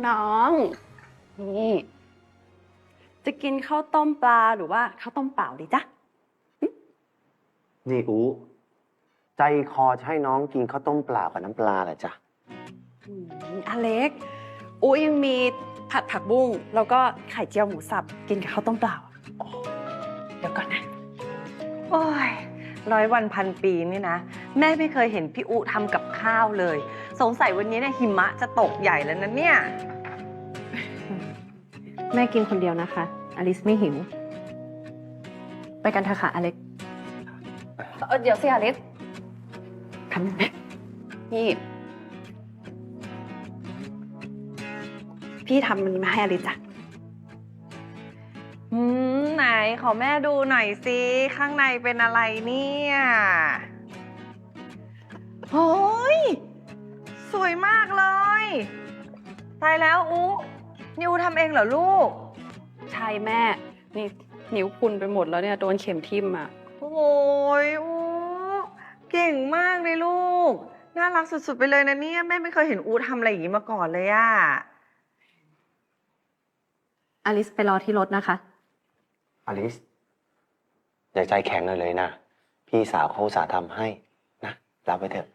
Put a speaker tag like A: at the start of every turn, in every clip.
A: น้องๆนี่จะกินข้าวต้มปลาหรือว่าข้าวต้มเปล่าดีจ๊ะ
B: นี่อูใจคอจะให้น้องกินข้าวต้มเปล่ากับน้ำปลาเหรอจ๊ะ
A: อเล็กอูยังมีผัดผักบุ้งแล้วก็ไข่เจียวหมูสับกินกับข้าวต้มเปล่าเดี๋ยวก่อนนะ
C: โอ้ย100 วัน 1,000 ปีนี่นะแม่ไม่เคยเห็นพี่อุทำกับข้าวเลยสงสัยวันนี้เนี่ยหิมะจะตกใหญ่แล้วนะเนี่ย
D: แม่กินคนเดียวนะคะ อลิสไม่หิว ไปกันเถอะค่ะอเล็ก
A: เดี๋ยวสิอเล็กทำยังไงนี่พี่ทำมันนี้มาให้อลิสจ้ะ
C: ไหนขอแม่ดูหน่อยสิข้างในเป็นอะไรเนี่ยโอ้ยสวยมากเลยตายแล้วอุนิวทำเองเหรอลูก
A: ใช่แม่นี่นิ้วพุนไปหมดแล้วเนี่ยโดนเข็มทิ่มอ่ะ
C: โอ้ยอูเก่งมากเลยลูกน่ารักสุดๆไปเลยนะเนี่ยแม่ไม่เคยเห็นอูทำอะไรอย่างนี้มาก่อนเลยอะ
D: อลิสไปรอที่รถนะคะ
B: อลิสอย่าใจแข็งเลยนะ พี่สาวเขาอุตส่าห์ทำให้นะรับไปเถอะ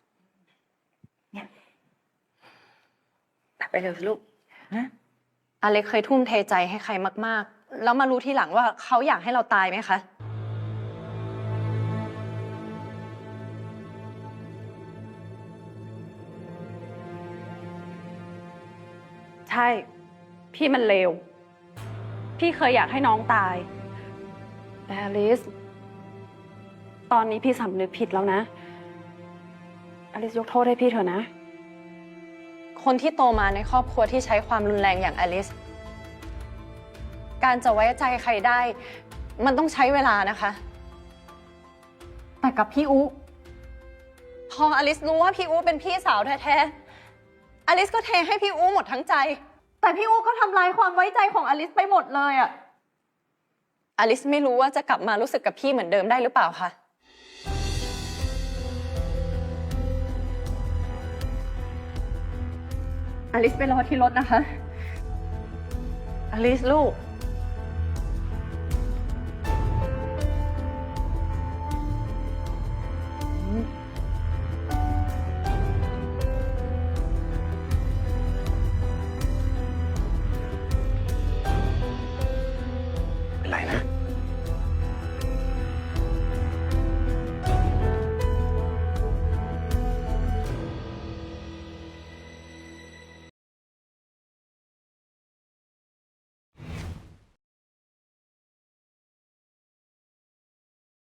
A: ไปเร็วสิลูก
D: อเล็กเคยทุ่มเทใจให้ใครมากๆ แล้วมารู้ทีหลังว่าเขาอยากให้เราตายไหมคะ
A: ใช่ พี่มันเลว พี่เคยอยากให้น้องตาย แต่อลิส ตอนนี้พี่สำนึกผิดแล้วนะ อลิสยกโทษให้พี่เถอะนะ
D: คนที่โตมาในครอบครัวที่ใช้ความรุนแรงอย่างอลิส การจะไว้ใจใครได้ มันต้องใช้เวลานะคะ แต่กับพี่อุพออลิสรู้ว่าพี่อุเป็นพี่สาวแท้ๆ อลิสก็เทให้พี่อุหมดทั้งใจ แต่พี่อุก็ทำลายความไว้ใจของอลิสไปหมดเลยอะอลิสไม่รู้ว่าจะกลับมารู้สึกกับพี่เหมือนเดิมได้หรือเปล่าคะอลิสไปรอที่รถนะคะ
C: อลิสลูก